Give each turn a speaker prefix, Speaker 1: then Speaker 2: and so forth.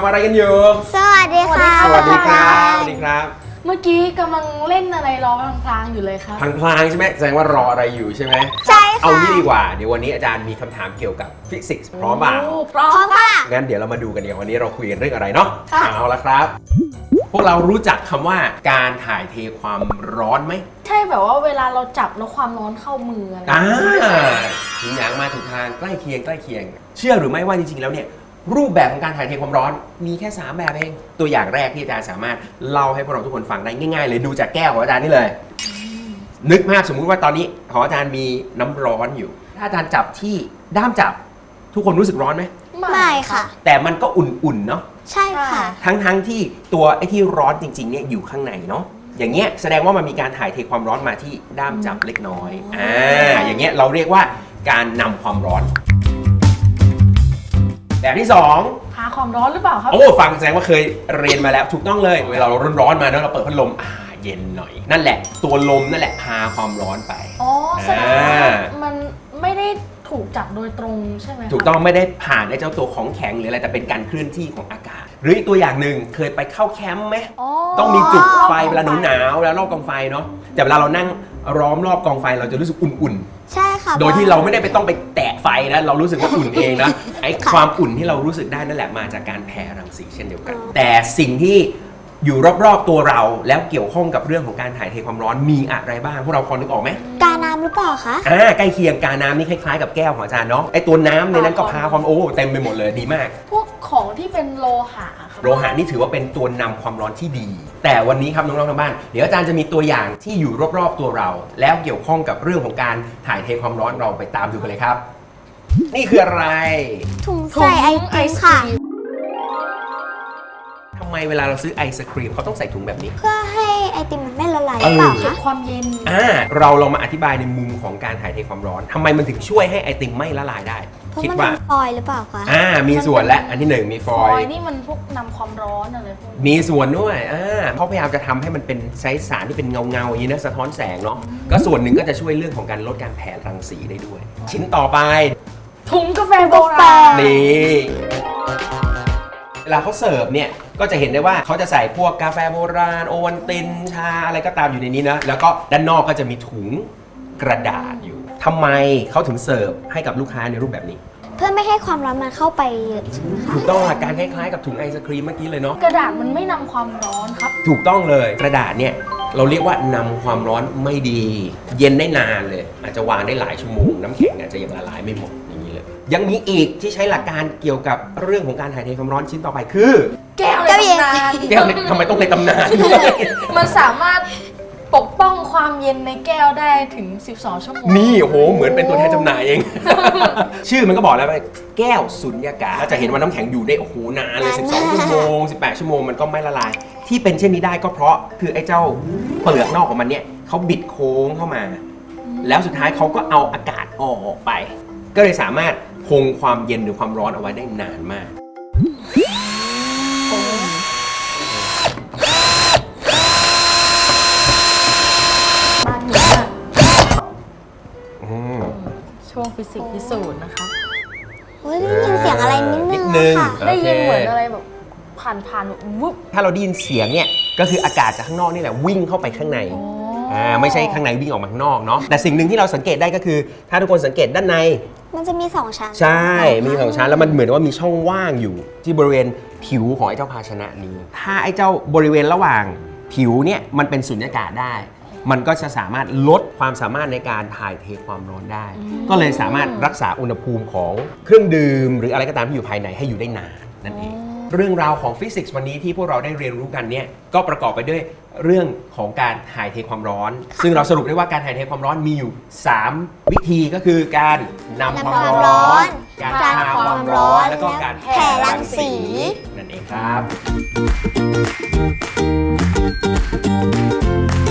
Speaker 1: ำอะไรกันอยู่
Speaker 2: สวัสดีค่ะ
Speaker 1: สวัสดีครับสวัสดีครับ
Speaker 3: เมื่อกี้กำลังเล่นอะไรรอพลางๆอยู่เลยครับ
Speaker 1: พลางๆใช่ไหมแสดงว่ารออะไรอยู่ใช่ไหม
Speaker 2: ใช่ค่ะ
Speaker 1: เอางี้ดีกว่าเดี๋ยววันนี้อาจารย์มีคำถามเกี่ยวกับฟิสิกส์พร้อมป่ะ
Speaker 3: พร้อม
Speaker 2: ค่ะ
Speaker 1: งั้นเดี๋ยวเรามาดูกันดีกว่าวันนี้เราคุยกันเรื่องอะไรเนาะ
Speaker 3: ค่ะ
Speaker 1: เอาละครับ พวกเรารู้จักคำว่าการถ่ายเทความร้อนไหม
Speaker 3: ใช่แบบว่าเวลาเราจับแล้วความร้อนเข้ามืออะไร
Speaker 1: ถึงอย่างมาถูกทางใกล้เคียงเชื่อหรือไม่ว่าจริงๆแล้วเนี่ยรูปแบบของการถ่ายเทความร้อนมีแค่3แบบเองตัวอย่างแรกที่อาจารย์สามารถเล่าให้พวกเราทุกคนฟังได้ง่ายๆเลยดูจากแก้วของอาจารย์นี่เลยนึกภาพสมมุติว่าตอนนี้ของอาจารย์มีน้ำร้อนอยู่ถ้าอาจารย์จับที่ด้ามจับทุกคนรู้สึกร้อนไหม
Speaker 2: ไม่ค่ะ
Speaker 1: แต่มันก็อุ่นๆเนาะ
Speaker 2: ใช่ค่ะ
Speaker 1: ทั้งที่ตัวไอ้ที่ร้อนจริงๆเนี่ยอยู่ข้างในเนาะอย่างเงี้ยแสดงว่ามันมีการถ่ายเทความร้อนมาที่ด้ามจับเล็กน้อยอย่างเงี้ยเราเรียกว่าการนำความร้อนแบบที่2
Speaker 3: พาความร้อนหรือเปล่าครับ
Speaker 1: โอ้ฟังแสดงว่าเคยเรียนมาแล้วถูกต้องเลยเวลาเราร้อนๆมาเนาะเราเปิดพัดลมเย็นหน่อยนั่นแหละตัวลมนั่นแหละพาความร้อนไป
Speaker 3: อ๋อแสดงว่ามันไม่ได้ถูกจับโดยตรงใช่ไหม
Speaker 1: ถูกต้องไม่ได้ผ่านไอ้เจ้าตัวของแข็งหรืออะไรแต่เป็นการเคลื่อนที่ของอากาศหรืออีกตัวอย่างหนึ่งเคยไปเข้าแคมป์ไหมต้องมีจุดไฟเวลาหนาวแล้วรอบกองไฟเนาะแต่เวลาเรานั่งล้อมรอบกองไฟเราจะรู้สึกอุ่นๆ
Speaker 2: ใช่ค่ะ
Speaker 1: โดยที่เราไม่ได้ไปต้องไปแตะไฟนะเรารู้สึกว่าอุ่นเองนะไอ้ความอุ่นที่เรารู้สึกได้นั่นแหละมาจากการแผ่รังสีเช่นเดียวกันแต่สิ่งที่อยู่รอบๆตัวเราแล้วเกี่ยวข้องกับเรื่องของการถ่ายเทความร้อนมีอะไรบ้างพวกเราพอนึกออกไหม
Speaker 2: กาน้ำหรือเปล่าคะ
Speaker 1: ใกล้เคียงกาน้ำนี่คล้ายๆกับแก้วของอาจารย์เนาะไอ้ตัวน้ำในนั้นก็พาความเต็มไปหมดเลยดีมาก
Speaker 3: พวกของที่เป็นโลหะครับ
Speaker 1: โลหะนี่ถือว่าเป็นตัวนำความร้อนที่ดี แต่วันนี้ครับน้องๆทางบ้านเดี๋ยวอาจารย์จะมีตัวอย่างที่อยู่รอบๆตัวเรา แล้วเกี่ยวข้องกับเรื่องของการถ่ายเทความร้อนเราไปตามดูกันเลยครับ นี่คืออะไร
Speaker 2: ถุงใส่ไอติมค่ะ
Speaker 1: ทำไมเวลาเราซื้อไอศครีมเขาต้องใส่ถุงแบบนี้
Speaker 2: เพื่อให้ไอติมมันไม่ละลายหรือเปล่า
Speaker 3: เก็บ
Speaker 2: คะ
Speaker 3: ความเย็น
Speaker 1: เราลองมาอธิบายในมุมของการถ่ายเทความร้อนทำไมมันถึงช่วยให้ไอติมไม่ละลายได้
Speaker 2: คิดว่าฟอยล์หรือเปล่าคะ
Speaker 1: มีส่วนและอันที่1มีฟอยล์
Speaker 3: นี่มันพวกนำความร้อนอะไรพวก
Speaker 1: มีส่วนด้วยเขาพยายามจะทำให้มันเป็นใช้สารที่เป็นเงาอย่างนี้นะสะท้อนแสงเนาะก็ส่วนหนึ่งก็จะช่วยเรื่องของการลดการแผ่รังสีได้ด้วยชิ้นต่อไป
Speaker 3: ถุงกาแฟโบราณ
Speaker 1: นี่เวลาเขาเสิร์ฟเนี่ยก็จะเห็นได้ว่าเขาจะใส่พวกกาแฟโบราณโอวัลตินชาอะไรก็ตามอยู่ในนี้นะแล้วก็ด้านนอกก็จะมีถุงกระดาษอยู่ทำไมเขาถึงเสิร์ฟให้กับลูกค้าในรูปแบบนี้
Speaker 2: เพื่อไม่ให้ความร้อนมันเข้าไปเยอะใช่ไหมคะ
Speaker 1: ถูกต้องหลักการคล้ายๆกับถุงไอศครีมเมื่อกี้เลยเนาะ
Speaker 3: กระดาษมันไม่นำความร้อนครับ
Speaker 1: ถูกต้องเลยกระดาษเนี่ยเราเรียกว่านำความร้อนไม่ดีเย็นได้นานเลยอาจจะวางได้หลายชั่วโมงน้ำแข็งอาจจะยังละลายไม่หมดอย่างนี้เลยยังมีอีกที่ใช้หลักการเกี่ยวกับเรื่องของการถ่ายเทความร้อนชิ้นต่อไปคือ
Speaker 3: แก้วในตำนาน
Speaker 1: แก้วทำไมต้องในตำนาน
Speaker 3: มันสามารถปกป้องความเย็นในแก้วได้ถึง12ชั่วโมง
Speaker 1: นี่โอ้โหเหมือนเป็นตัวแทนจำหน่ายเอง ชื่อมันก็บอกแล้วว่าแก้วสุญญากาศจะเห็นว่าน้ำแข็งอยู่ได้โอ้โหนานเลย12ชั่วโมง18ชั่วโมงมันก็ไม่ละลายที่เป็นเช่นนี้ได้ก็เพราะคือไอ้เจ้าเปลือกนอกของมันเนี่ยเขาบิดโค้งเข้ามาแล้วสุดท้ายเขาก็เอาอากาศออกไปก็เลยสามารถคงความเย็นหรือความร้อนเอาไว้ได้นานมาก
Speaker 3: ช่วงฟิสิกส์พิสูจน์นะคะ
Speaker 2: ได้ยินเสียงอะไรนิดนึงค่ะ
Speaker 3: ได้ยินเหมือนอะไรแบบผ่านวุบ
Speaker 1: ถ้าเราได้ยินเสียงเนี่ยก็คืออากาศจากข้างนอกนี่แหละวิ่งเข้าไปข้างในไม่ใช่ข้างในวิ่งออกมาข้างนอกเนาะแต่สิ่งหนึ่งที่เราสังเกตได้ก็คือถ้าทุกคนสังเกตด้านใน
Speaker 2: มันจะมี2ชั้น
Speaker 1: ใช่มี2ชั้นแล้วมันเหมือนว่ามีช่องว่างอยู่ที่บริเวณผิวของไอ้เจ้าภาชนะนี้ถ้าไอ้เจ้าบริเวณระหว่างผิวเนี่ยมันเป็นสุญญากาศได้มันก็จะสามารถลดความสามารถในการถ่ายเทความร้อนได้ก็เลยสามารถรักษาอุณหภูมิของเครื่องดื่มหรืออะไรก็ตามที่อยู่ภายในให้อยู่ได้นานนั่นเองเรื่องราวของฟิสิกส์วันนี้ที่พวกเราได้เรียนรู้กันเนี่ยก็ประกอบไปด้วยเรื่องของการถ่ายเทความร้อนซึ่งเราสรุปได้ว่าการถ่ายเทความร้อนมีอยู่3วิธีก็คือการนำความร้อนการพาความร้อนแล้วก็การแผ่รังสีนั่นเองครับ